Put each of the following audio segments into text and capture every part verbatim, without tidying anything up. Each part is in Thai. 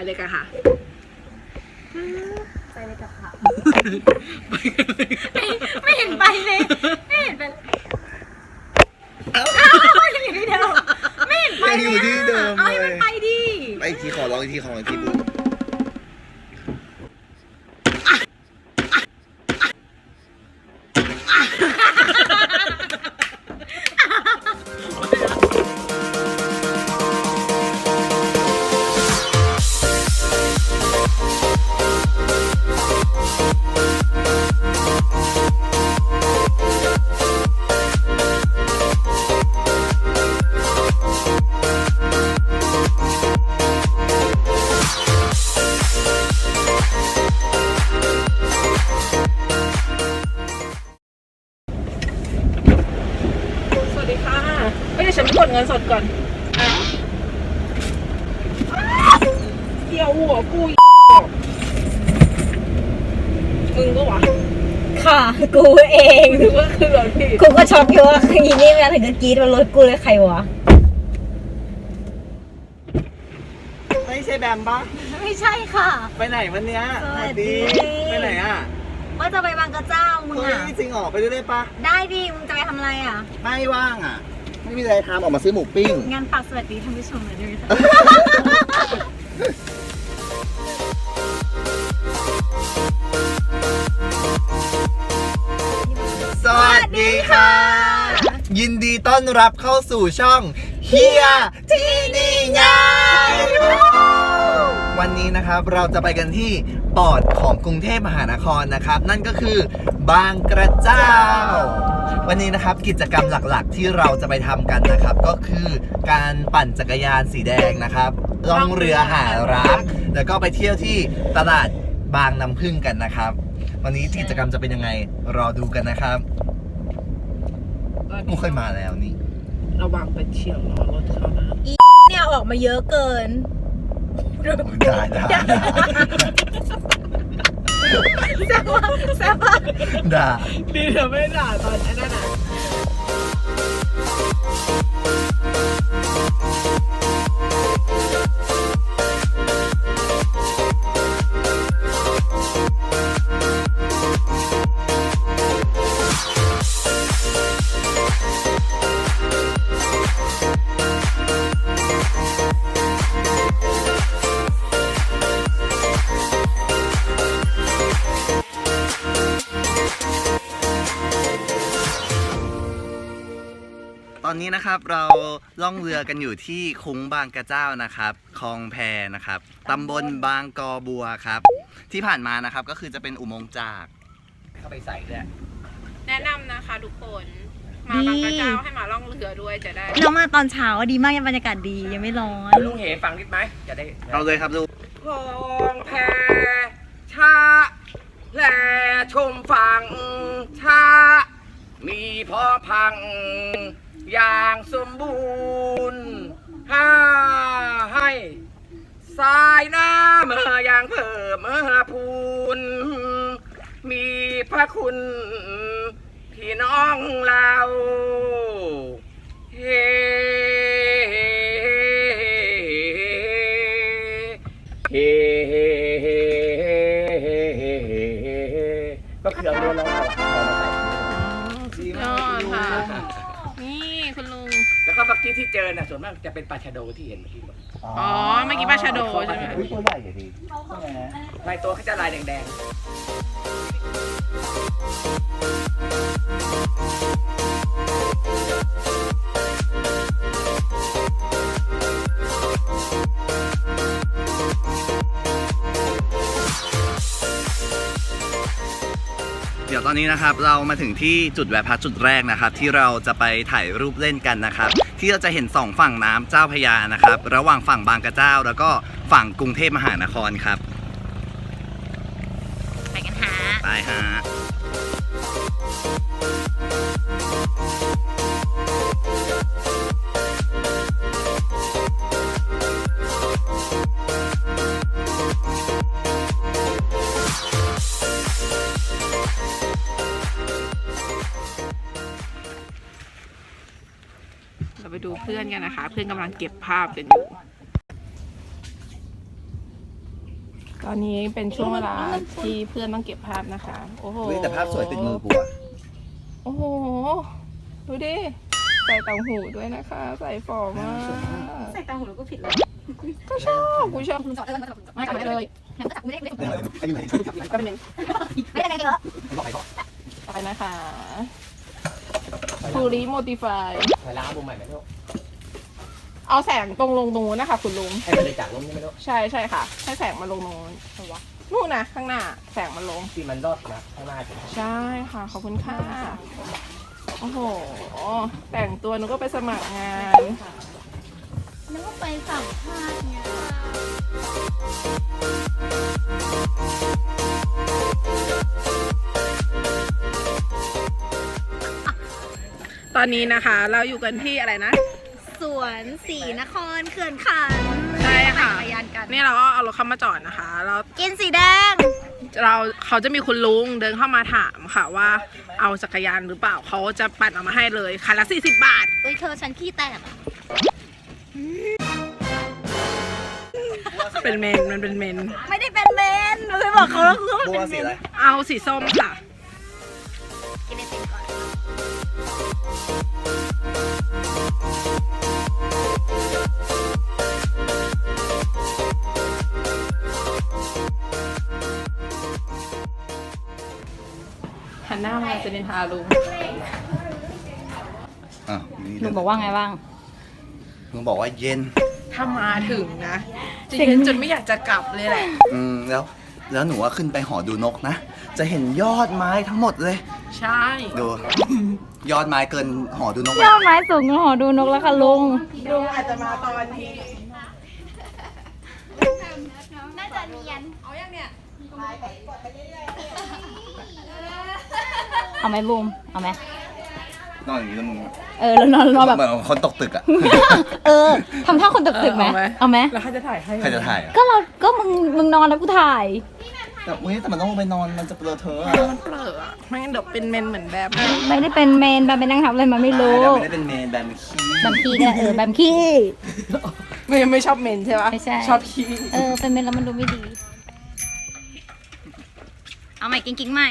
เลยกันค่ะไปเลยกับค่ะไม่เห็นไปเลยไม่เห็นไปยังอยู่ที่เดิมไม่เห็นไปเลยอยู่ที่เดิมเอาให้มันไปดิไปอีกทีขอลองอีกทีขอลองอีกทีบูฉันกดเงินสดก่อนเกี่ยวหัวกูมึงก็วะค่ะกูเองนึกว่าคือรถพี่กูก็ช็อกอยู่ว่าอีนี่มาถึงจะกรี๊ดว่ารถกูเลยใครวะไม่ใช่แบมปะไม่ใช่ค่ะไปไหนวันเนี้ยสวัสดีไปไหนอ่ะว่าจะไปบางกระเจ้ามึงอ่ะจริงเหรอไปด้วยได้ปะได้ดิมึงจะไปทำอะไรอ่ะไม่ว่างอ่ะไม่มีอะไรทำออกมาซื้อหมูปิ้งงานฝากสวัสดีท่านผู้ชมหน่อยด้วยค่ะสวัสดีค่ะยินดีต้อนรับเข้าสู่ช่องเฮียที่นี่ไงวันนี้นะครับเราจะไปกันที่ปอดของกรุงเทพมหานครนะครับนั่นก็คือบางกระเจ้าวันนี้นะครับกิจกรรมหลักๆที่เราจะไปทำกันนะครับก็คือการปั่นจักรยานสีแดงนะครับล่องเรือหารักแล้วก็ไปเที่ยวที่ตลาดบางน้ำผึ้งกันนะครับวันนี้กิจกรรมจะเป็นยังไงรอดูกันนะครับไม่เคยมาแล้วนี่ระวังไปเฉียวล้อรถเขานะอีเนี่ยออกมาเยอะเกินได้ได้แซ่บว่ะแซ่บว่ะด่าดีเธอไม่ด่าตอนนั้นน่ะตอนนี้นะครับเราล่องเรือกันอยู่ที่คุ้งบางกระเจ้านะครับคลองแพนะครับตำบลบางกอบัวครับที่ผ่านมานะครับก็คือจะเป็นอุโมงค์จากเข้าไปใส่ด้วยแนะนำนะคะทุกคนมาบางกระเจ้าให้มาล่องเรือด้วยจะได้เรามาตอนเช้าดีมากยังบรรยากาศดียังไม่ร้อนลุงเหฟังนิดไหมจะได้เอาเลยครับลุงคลองแพชาแลชมฝั่งชามีพอพังอย่างสมบูรณ์ห้าให้สายน้ำเมื่ออย่างเพิ่มเมื่อพูนมีพระคุณพี่น้องเราเฮเฮก็คือเอาเรือเราเอามาใส่ดีมากค่ะนี่คุณลุงแล้วก็เมื่อกี้ที่เจอน่ะส่วนมากจะเป็นปลาชะโดที่เห็นเมื่อกี้อ๋อเมื่อกี้ปลาชะโดใช่ไหมตัวใหญ่อย่างนี้ลายตัวเขาจะลายแดงเดี๋ยวตอนนี้นะครับเรามาถึงที่จุดแวะพักจุดแรกนะครับที่เราจะไปถ่ายรูปเล่นกันนะครับที่เราจะเห็นสองฝั่งน้ำเจ้าพระยานะครับระหว่างฝั่งบางกระเจ้าแล้วก็ฝั่งกรุงเทพมหานครครับไปกันฮะไปฮะเราไปดูเพื่อนกันนะคะเพื่อนกำลังเก็บภาพกันอยู่ตอนนี้เป็นช่วงเวลาที่เพื่อนต้องเก็บภาพนะคะ โอ้โหเฮ้ยแต่ภาพสวยติดมือกูอะโอ้โห ดูดิ ใส่ต่างหูด้วยนะคะ ใส่ฟอมากใส่ตาหูแล้วก็ผิดเลยก็ชอบกูชอบคุณจอดเลยไม่ไม่กลับมาเลยงั้นก็จับกูไม่ได้ไม่ได้ก็เป็นหนึ่งไม่ได้เยอะต่อไปนะคะทูริโมติฟายไปล้างมุมใหม่ไหมลูกเอาแสงตรงลงตรงนู้นนะคะคุณลุงให้มันเลยจากลงนี่ไหมลูกใช่ใช่ค่ะ ให้แสงมาลงตรงนู้นนู่นนะข้างหน้าแสงมันลงที่มันรอดนะข้างหน้าถึงใช่ค่ะ ขอบคุณค่ะ โอ้โห แต่งตัวหนูก็ไปสมัครงานนึกว่าไปสัมภาษณ์ไงตอนนี้นะคะ เราอยู่กันที่อะไรนะสวนศรีนครเขื่อนขันใช่ค่ะจักรยานกันนี่เราก็เอารถเข้ามาจอดนะคะแล้วกินสีแดงเราเขาจะมีคุณลุงเดินเข้ามาถามค่ะว่าเอาจักรยานหรือเปล่าเขาจะปั่นออกมาให้เลยคันละสี่สิบบาทเอ้ยเธอฉันขี้แตกอะเป็นเมนมันเป็นเมนไม่ได้เป็นเมนหนูเคยบอกเขาแล้วคือว่าบัเป็วนเมสีนอะไรเอาสีส้มค่ะกินไอติมก่อนหันหน้ามาจะนินทาลุงอ่ะลุงบอกว่าไงบ้างลุงบอกว่าเย็นถ้ามาถึงนะจะเย็นจนไม่อยากจะกลับเลยแหละอืมแล้ว แล้วหนูว่าขึ้นไปหอดูนกนะ จะเห็นยอดไม้ทั้งหมดเลยใช่ดู ยอดไม้เกินหอดูนกยอดไม้สูงกว่าหอดูนกแล้วค่ะลุงลุงอาจจะมาตอนที่น่าจะเนียนเอาอย่างเนี้ยเอาไหมบูมเอาไหมนอนอย่างนี้แล้วมึงเออแล้วนอนนอนแบบเหมือนคนตกตึกอ่ะเออทำท่าคนตกตึกไหมเอาไหมแล้วใครจะถ่ายให้ใครจะถ่ายอ่ะก็เราก็มึงมึงนอนแล้วกูถ่ายแต่เฮ้ยแต่มันต้องลงไปนอนมันจะเปลือเธอะอะมันเปลือะไม่งั้นเดี๋ยวเป็นเมนเหมือนแบบไม่ได้เป็นเมนแบบเป็นนั่งทับเลยมันไม่รู้เดี๋ยวไม่ได้เป็นเมนแบมขี้แบมขี้ก็ได้เออแบมขี้ไม่ไม่ชอบเมนใช่ปะไม่ใช่ชอบขี้เออเป็นเมนแล้วมันดูไม่ดี เอาใหม่กิ๊งกิ๊งใหม่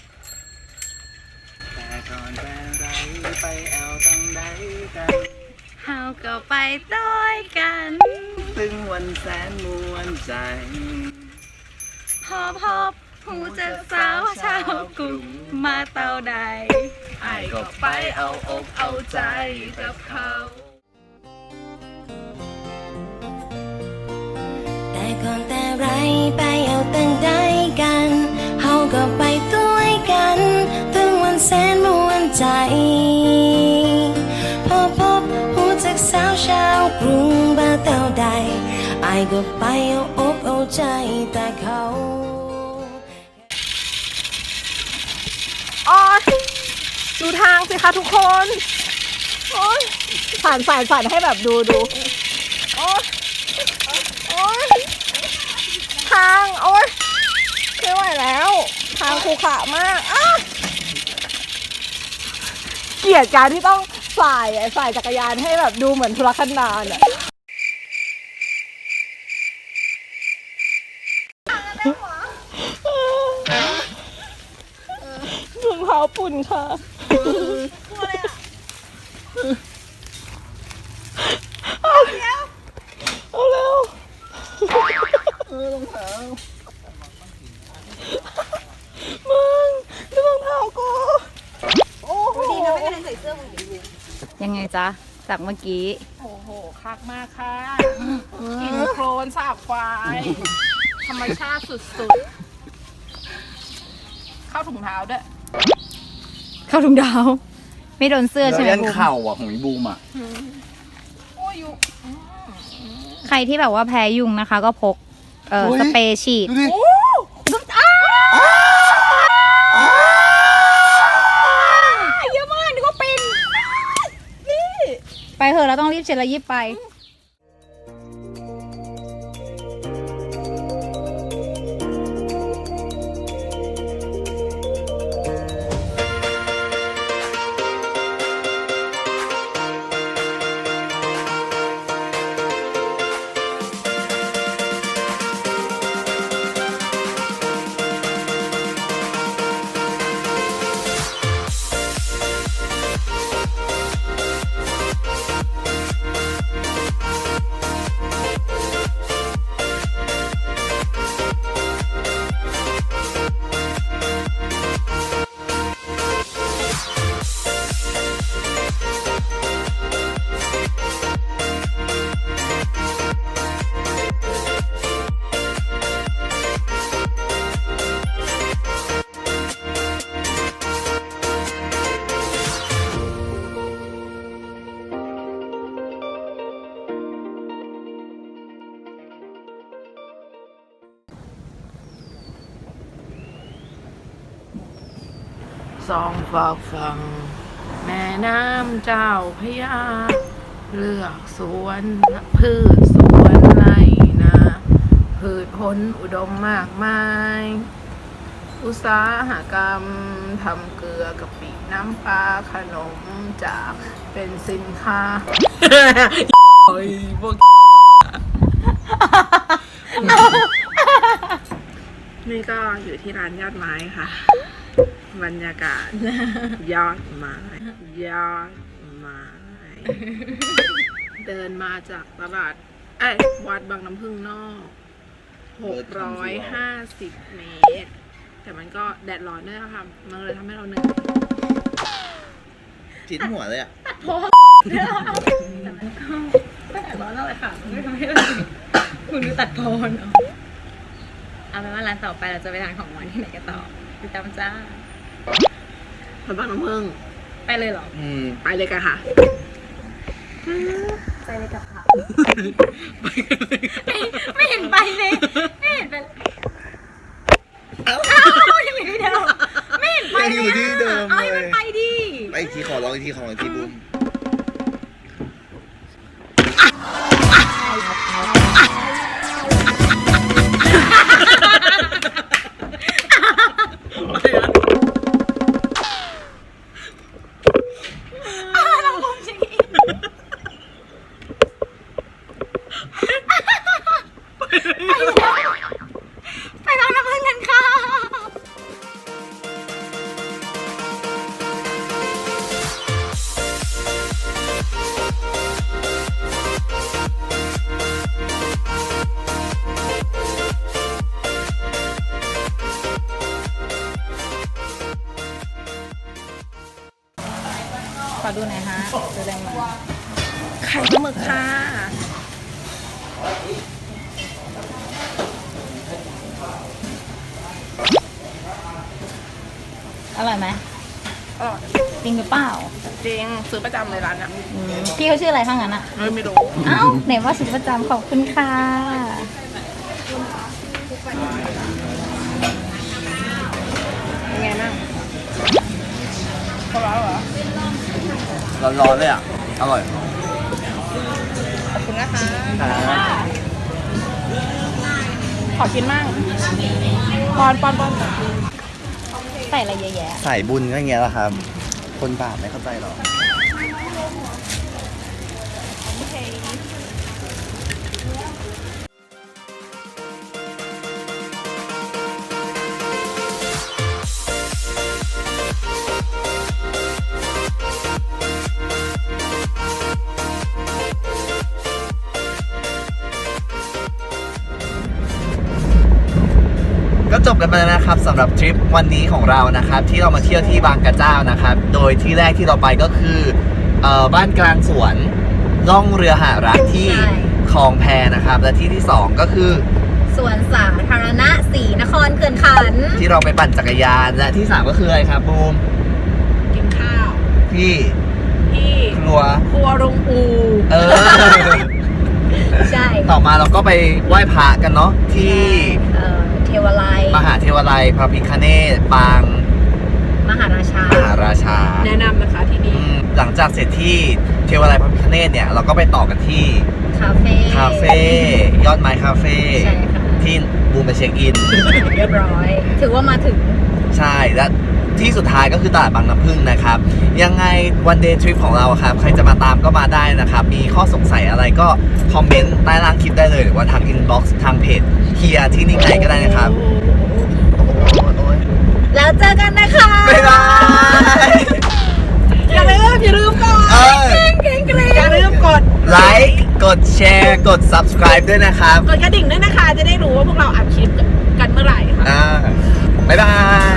แต่ก่อนแต่ไรไปเอาตั้งใดกันเฮาก็ไปต้อยกันตึงวันแสนมวนใจพอพบหูจะสาวชาวกรุงมาเตาใดไอ้ก็ไปเอาอกเอาใจกับเขาแต่ก่อนแต่ไรไปเอาตั้งได้กันเฮาก็ไปด้วยกันถึงวันแสนมวนใจพอพบหูจากสาวชาวกรุงบ้านเต่าใดไอายก็ไปเอาอกเอาใจแต่เขาอ๋อดูทางสิคะทุกคนโอ๊ยผ่านผ่านผ่านให้แบบดูดูโอ๊ยโอ๊ยทางโอ๊ยไม่ไหวแล้ว ทางขรุขระมากอ้าเกลียดการที่ต้องสายสายจักรยานให้แบบดูเหมือนทุรกันดารอะรองเท้าปุ่นค่ะเอาเร็วเอาเร็วเออรองเท้ามึงดูรองเท้ากูโอ้โหดีนะไม่ได้ใส่เสื้อมึงดียังไงจ๊ะจากเมื่อกี้โอ้โหคักมากค่ะกินโคลนสาบควายธรรมชาติสุดๆเข้าถุงเท้าด้วยเข้าถุงดาว ไม่โดนเสื้อแล้วใช่ไหมยันบูมเข่าอ่ะของอีบูมอ่ะโอ้ยอยู่ใครที่แบบว่าแพ้ยุงนะคะ ก็พกเอ่อโอ้ยสเปรย์ฉีดดูดิเยอะมากนึกว่าเป็นไปเถอะเราต้องรีบเช็ดแล้วยิบไปสองฝากฝั่งแม่น้ำเจ้าพระยาเลือกสวนพืชสวนไรนาพืชผลอุดมมากมาย อุตสาหกรรมทำเกลือกะปิน้ำปลาขนมจากเป็นสินค้าโอ้ยพวกนี่ก็อยู่ที่ร้านยอดไม้ค่ะ บรรยากาศยอดไม้ยอดไม้ เดินมาจากตลาดเอ้ยวัดบางน้ำพึ่งนอกหกร้อยห้าสิบเมตร แต่มันก็แดดร้อนด้วยนะคะมันเลยทำให้เราเหนื่อยจิ้นหัวเลยอ่ะแต่มันก็ไม่แดดร้อนอะไรค่ะมันไม่ทำให้เราคุณดูตัดโพนเอาเอาเป็นว่าร้านต่อไปเราจะไปทานของหวานที่ไหนกันต่อติดตามจ้าวัดบางน้ำพึ่งไปเลยเหรออืมไปเลยกันค่ะไปเลยกับค่ะไม่ไม่เห็นไปเลยไม่เห็นไปอ้าวยังอยู่ที่เดิมไม่เห็นไปยังอยู่ที่เดิมเอาให้เลมันยไปดิไปอีกทีขอลองอีกทีขอลองอีกทีบุ้มเราคงจะอีกไปแล้วไปทางน้ำพึ่งกันค่ะ ขอดูหน่อยฮะดูได้ไหมไข่ปลาหมึกค่ะอร่อยไหมอร่อยจริงหรือเปล่าจริงซื้อประจำเลยร้านอ่ะอืมพี่เขาชื่ออะไรข้างนั้นอ่ะเฮ้ยไม่รู้เอ้าไหนว่าซื้อประจำขอบคุณค่ะเป็นไงบ้างเขาร้อนเหรอร้อนๆเลยอ่ะ อร่อยขอบคุณนะคะครับขอกินมั่งปอนปอนปอนใส่อะไรเยอะแยะสายบุญก็อย่างเงี้ยแหละครับ คนบาปไม่เข้าใจหรอก ก็จบกันไปแล้วนะครับสำหรับทริปวันนี้ของเรานะครับ ที่เรามาเที่ยวที่บางกระเจ้านะครับ โดยที่แรกที่เราไปก็คือเอ่อบ้านกลางสวนล่องเรือหารักที่คลองแพนะครับ และที่ที่สองก็คือสวนสาธารณะศรีนครเขื่อนขันที่เราไปปั่นจักรยาน และที่สามก็คืออะไรครับบูมกินข้าวที่ที่ครัวครัวรุงอูเออใช่ต่อมาเราก็ไปไหว้พระกันเนาะที่เอ่อเทวาลัยมหาเทวาลัยพระพิฆเนศปางมหาราชามหาราชาแนะนำนะคะที่อืนี่มหลังจากเสร็จที่เทวาลัยพระพิฆเนศเนี่ยเราก็ไปต่อกันที่คาเฟ่คาเฟ่ยอดไม้คาเฟ่ใช่ค่ะที่บูมไปเช็คอินเรียบร้อย ถือว่ามาถึงใช่และที่สุดท้ายก็คือตลาดบางน้ำพึ่งนะครับ ยังไงวันเดย์ทริปของเราครับ ใครจะมาตามก็มาได้นะครับ มีข้อสงสัยอะไรก็คอมเมนต์ใต้ล่างคลิปได้เลย หรือว่าทางอินบ็อกซ์ทางเพจเฮียที่นิ่งไหนก็ได้นะครับโอ้ยแล้วเจอกันนะคะบ๊ายบายอย่าลืมอย่าลืมก่อนเอออย่าลืมกดไลค์กดแชร์กด subscribe ด้วยนะครับกดกระดิ่งด้วยนะคะ จะได้รู้ว่าพวกเราอัดคลิปกันเมื่อไหร่ค่ะอ่าบ๊ายบาย